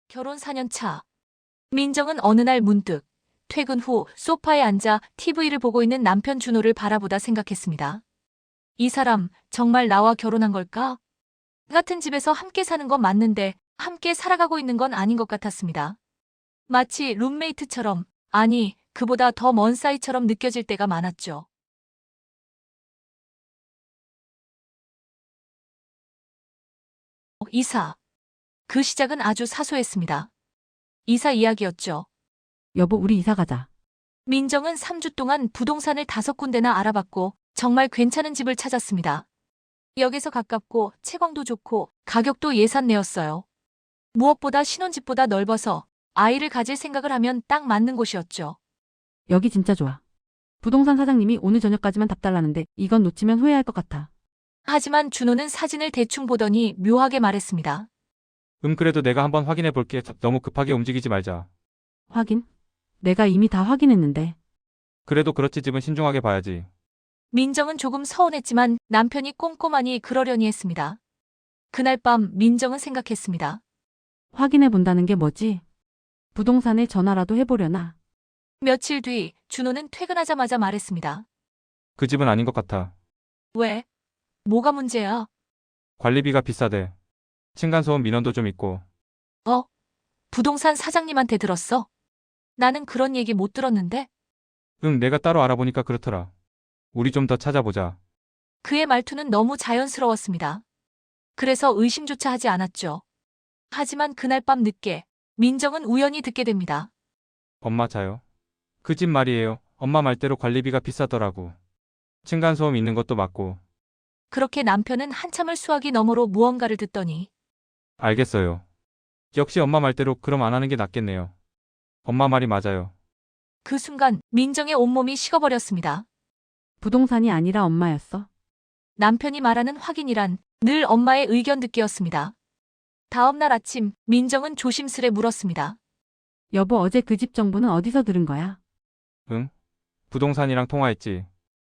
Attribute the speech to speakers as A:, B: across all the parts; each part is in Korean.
A: 결혼 4년 차. 민정은 어느 날 문득 퇴근 후 소파에 앉아 TV를 보고 있는 남편 준호를 바라보다 생각했습니다. 이 사람 정말 나와 결혼한 걸까? 같은 집에서 함께 사는 건 맞는데 함께 살아가고 있는 건 아닌 것 같았습니다. 마치 룸메이트처럼, 아니, 그보다 더 먼 사이처럼 느껴질 때가 많았죠. 이사. 그 시작은 아주 사소했습니다. 이사 이야기였죠.
B: 여보, 우리 이사 가자.
A: 민정은 3주 동안 부동산을 5군데나 알아봤고 정말 괜찮은 집을 찾았습니다. 역에서 가깝고 채광도 좋고 가격도 예산 내였어요. 무엇보다 신혼집보다 넓어서 아이를 가질 생각을 하면 딱 맞는 곳이었죠.
B: 여기 진짜 좋아. 부동산 사장님이 오늘 저녁까지만 답 달라는데 이건 놓치면 후회할 것 같아.
A: 하지만 준호는 사진을 대충 보더니 묘하게 말했습니다.
C: 그래도 내가 한번 확인해 볼게. 너무 급하게 움직이지 말자.
B: 확인? 내가 이미 다 확인했는데.
C: 그래도 그렇지 집은 신중하게 봐야지.
A: 민정은 조금 서운했지만 남편이 꼼꼼하니 그러려니 했습니다. 그날 밤 민정은 생각했습니다.
B: 확인해 본다는 게 뭐지? 부동산에 전화라도 해보려나?
A: 며칠 뒤 준호는 퇴근하자마자 말했습니다.
C: 그 집은 아닌 것 같아.
A: 왜? 뭐가 문제야?
C: 관리비가 비싸대. 층간소음 민원도 좀 있고.
A: 어? 부동산 사장님한테 들었어? 나는 그런 얘기 못 들었는데?
C: 내가 따로 알아보니까 그렇더라. 우리 좀 더 찾아보자.
A: 그의 말투는 너무 자연스러웠습니다. 그래서 의심조차 하지 않았죠. 하지만 그날 밤 늦게 민정은 우연히 듣게 됩니다.
C: 엄마 자요. 그 집 말이에요. 엄마 말대로 관리비가 비싸더라고. 층간소음 있는 것도 맞고.
A: 그렇게 남편은 한참을 수화기 너머로 무언가를 듣더니
C: 알겠어요. 역시 엄마 말대로 그럼 안 하는 게 낫겠네요. 엄마 말이 맞아요.
A: 그 순간 민정의 온몸이 식어버렸습니다.
B: 부동산이 아니라 엄마였어.
A: 남편이 말하는 확인이란 늘 엄마의 의견 듣기였습니다. 다음 날 아침 민정은 조심스레 물었습니다.
B: 여보, 어제 그 집 정보는 어디서 들은 거야?
C: 응? 부동산이랑 통화했지.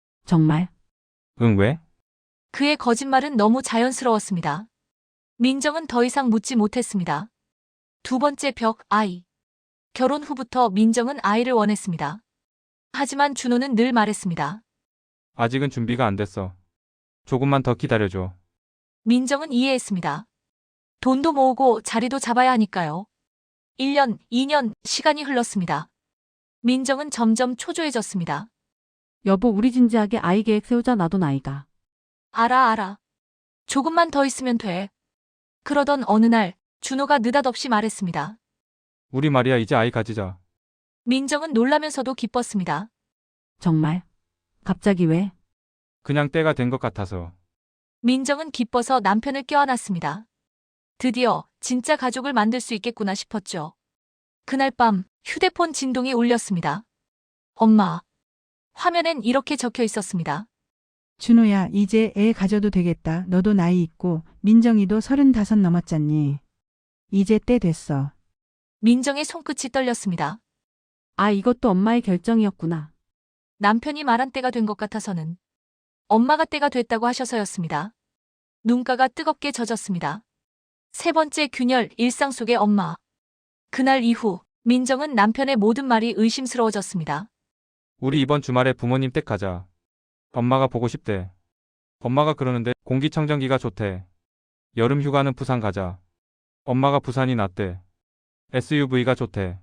B: 정말?
C: 응, 왜?
A: 그의 거짓말은 너무 자연스러웠습니다. 민정은 더 이상 묻지 못했습니다. 두 번째 벽, 아이. 결혼 후부터 민정은 아이를 원했습니다. 하지만 준호는 늘 말했습니다.
C: 아직은 준비가 안 됐어. 조금만 더 기다려줘.
A: 민정은 이해했습니다. 돈도 모으고 자리도 잡아야 하니까요. 1년, 2년, 시간이 흘렀습니다. 민정은 점점 초조해졌습니다.
B: 여보, 우리 진지하게 아이 계획 세우자. 나도 나이가.
A: 알아. 조금만 더 있으면 돼. 그러던 어느 날 준호가 느닷없이 말했습니다.
C: 우리 말이야 이제 아이 가지자.
A: 민정은 놀라면서도 기뻤습니다.
B: 정말? 갑자기 왜?
C: 그냥 때가 된 것 같아서.
A: 민정은 기뻐서 남편을 껴안았습니다. 드디어 진짜 가족을 만들 수 있겠구나 싶었죠. 그날 밤 휴대폰 진동이 울렸습니다. 엄마. 화면엔 이렇게 적혀 있었습니다.
D: 준호야, 이제 애 가져도 되겠다. 너도 나이 있고 민정이도 35 넘었잖니. 이제 때 됐어.
A: 민정의 손끝이 떨렸습니다.
B: 아, 이것도 엄마의 결정이었구나.
A: 남편이 말한 때가 된 것 같아서는 엄마가 때가 됐다고 하셔서였습니다. 눈가가 뜨겁게 젖었습니다. 세 번째 균열, 일상 속의 엄마. 그날 이후 민정은 남편의 모든 말이 의심스러워졌습니다.
C: 우리 이번 주말에 부모님 댁 가자. 엄마가 보고 싶대. 엄마가 그러는데 공기청정기가 좋대. 여름 휴가는 부산 가자. 엄마가 부산이 낫대. SUV가 좋대.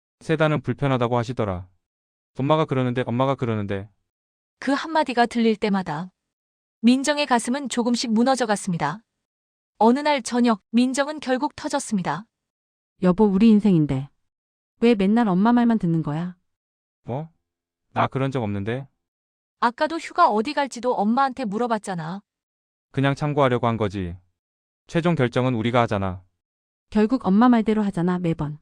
C: 세단은 불편하다고 하시더라. 엄마가 그러는데.
A: 그 한마디가 들릴 때마다 민정의 가슴은 조금씩 무너져 갔습니다. 어느 날 저녁 민정은 결국 터졌습니다.
B: 여보, 우리 인생인데. 왜 맨날 엄마 말만 듣는 거야?
C: 뭐? 나 그런 적 없는데?
A: 아까도 휴가 어디 갈지도 엄마한테 물어봤잖아.
C: 그냥 참고하려고 한 거지. 최종 결정은 우리가 하잖아.
B: 결국 엄마 말대로 하잖아, 매번.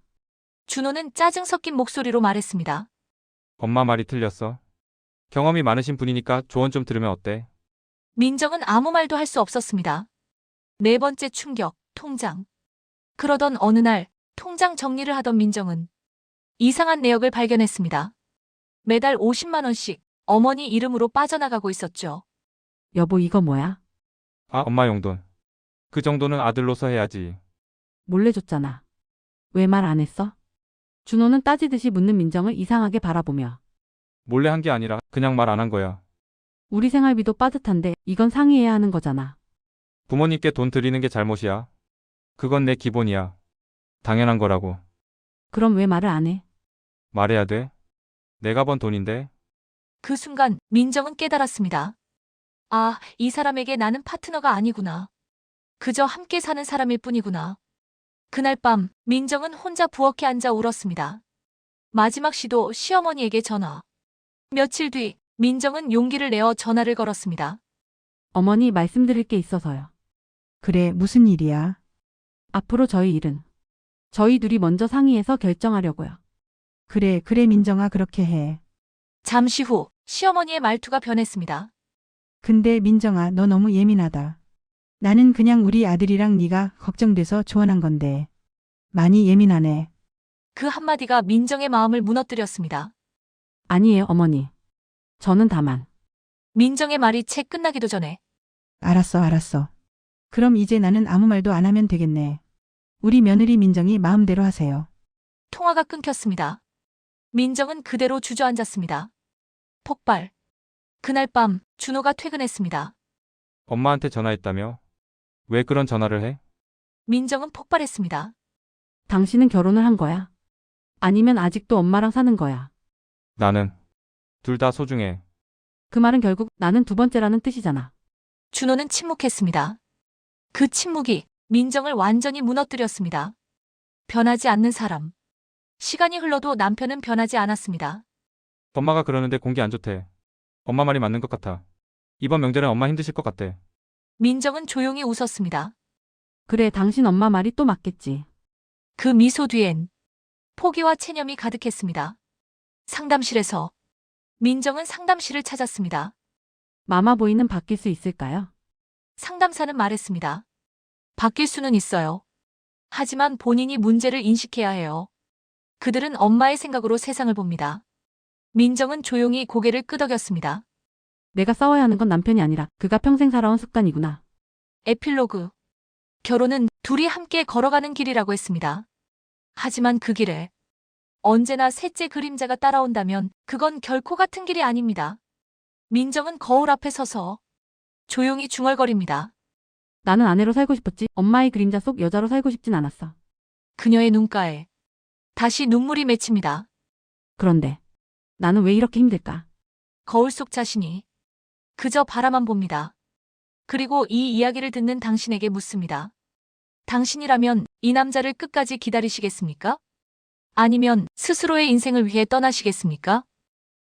A: 준호는 짜증 섞인 목소리로 말했습니다.
C: 엄마 말이 틀렸어. 경험이 많으신 분이니까 조언 좀 들으면 어때?
A: 민정은 아무 말도 할 수 없었습니다. 네 번째 충격, 통장. 그러던 어느 날 통장 정리를 하던 민정은 이상한 내역을 발견했습니다. 매달 50만 원씩 어머니 이름으로 빠져나가고 있었죠.
B: 여보, 이거 뭐야?
C: 아, 엄마 용돈. 그 정도는 아들로서 해야지.
B: 몰래 줬잖아. 왜 말 안 했어? 준호는 따지듯이 묻는 민정을 이상하게 바라보며
C: 몰래 한 게 아니라 그냥 말 안 한 거야.
B: 우리 생활비도 빠듯한데 이건 상의해야 하는 거잖아.
C: 부모님께 돈 드리는 게 잘못이야. 그건 내 기본이야. 당연한 거라고.
B: 그럼 왜 말을 안 해?
C: 말해야 돼? 내가 번 돈인데.
A: 그 순간 민정은 깨달았습니다. 아, 이 사람에게 나는 파트너가 아니구나. 그저 함께 사는 사람일 뿐이구나. 그날 밤 민정은 혼자 부엌에 앉아 울었습니다. 마지막 시도 시어머니에게 전화. 며칠 뒤 민정은 용기를 내어 전화를 걸었습니다.
B: 어머니 말씀드릴 게 있어서요.
D: 그래, 무슨 일이야?
B: 앞으로 저희 일은 저희 둘이 먼저 상의해서 결정하려고요.
D: 그래, 그래, 민정아, 그렇게 해.
A: 잠시 후 시어머니의 말투가 변했습니다.
D: 근데 민정아, 너 너무 예민하다. 나는 그냥 우리 아들이랑 네가 걱정돼서 조언한 건데. 많이 예민하네.
A: 그 한마디가 민정의 마음을 무너뜨렸습니다.
B: 아니에요, 어머니. 저는 다만
A: 민정의 말이 채 끝나기도 전에
D: 알았어, 알았어. 그럼 이제 나는 아무 말도 안 하면 되겠네. 우리 며느리 민정이 마음대로 하세요.
A: 통화가 끊겼습니다. 민정은 그대로 주저앉았습니다. 폭발. 그날 밤 준호가 퇴근했습니다.
C: 엄마한테 전화했다며? 왜 그런 전화를 해?
A: 민정은 폭발했습니다.
B: 당신은 결혼을 한 거야? 아니면 아직도 엄마랑 사는 거야?
C: 나는 둘 다 소중해.
B: 그 말은 결국 나는 두 번째라는 뜻이잖아.
A: 준호는 침묵했습니다. 그 침묵이 민정을 완전히 무너뜨렸습니다. 변하지 않는 사람. 시간이 흘러도 남편은 변하지 않았습니다.
C: 엄마가 그러는데 공기 안 좋대. 엄마 말이 맞는 것 같아. 이번 명절엔 엄마 힘드실 것 같대.
A: 민정은 조용히 웃었습니다.
B: 그래, 당신 엄마 말이 또 맞겠지.
A: 그 미소 뒤엔 포기와 체념이 가득했습니다. 상담실에서 민정은 상담실을 찾았습니다.
B: 마마보이는 바뀔 수 있을까요?
A: 상담사는 말했습니다. 바뀔 수는 있어요. 하지만 본인이 문제를 인식해야 해요. 그들은 엄마의 생각으로 세상을 봅니다. 민정은 조용히 고개를 끄덕였습니다.
B: 내가 싸워야 하는 건 남편이 아니라 그가 평생 살아온 습관이구나.
A: 에필로그. 결혼은 둘이 함께 걸어가는 길이라고 했습니다. 하지만 그 길에 언제나 셋째 그림자가 따라온다면 그건 결코 같은 길이 아닙니다. 민정은 거울 앞에 서서 조용히 중얼거립니다.
B: 나는 아내로 살고 싶었지 엄마의 그림자 속 여자로 살고 싶진 않았어.
A: 그녀의 눈가에 다시 눈물이 맺힙니다.
B: 그런데 나는 왜 이렇게 힘들까?
A: 거울 속 자신이 그저 바라만 봅니다. 그리고 이 이야기를 듣는 당신에게 묻습니다. 당신이라면 이 남자를 끝까지 기다리시겠습니까? 아니면 스스로의 인생을 위해 떠나시겠습니까?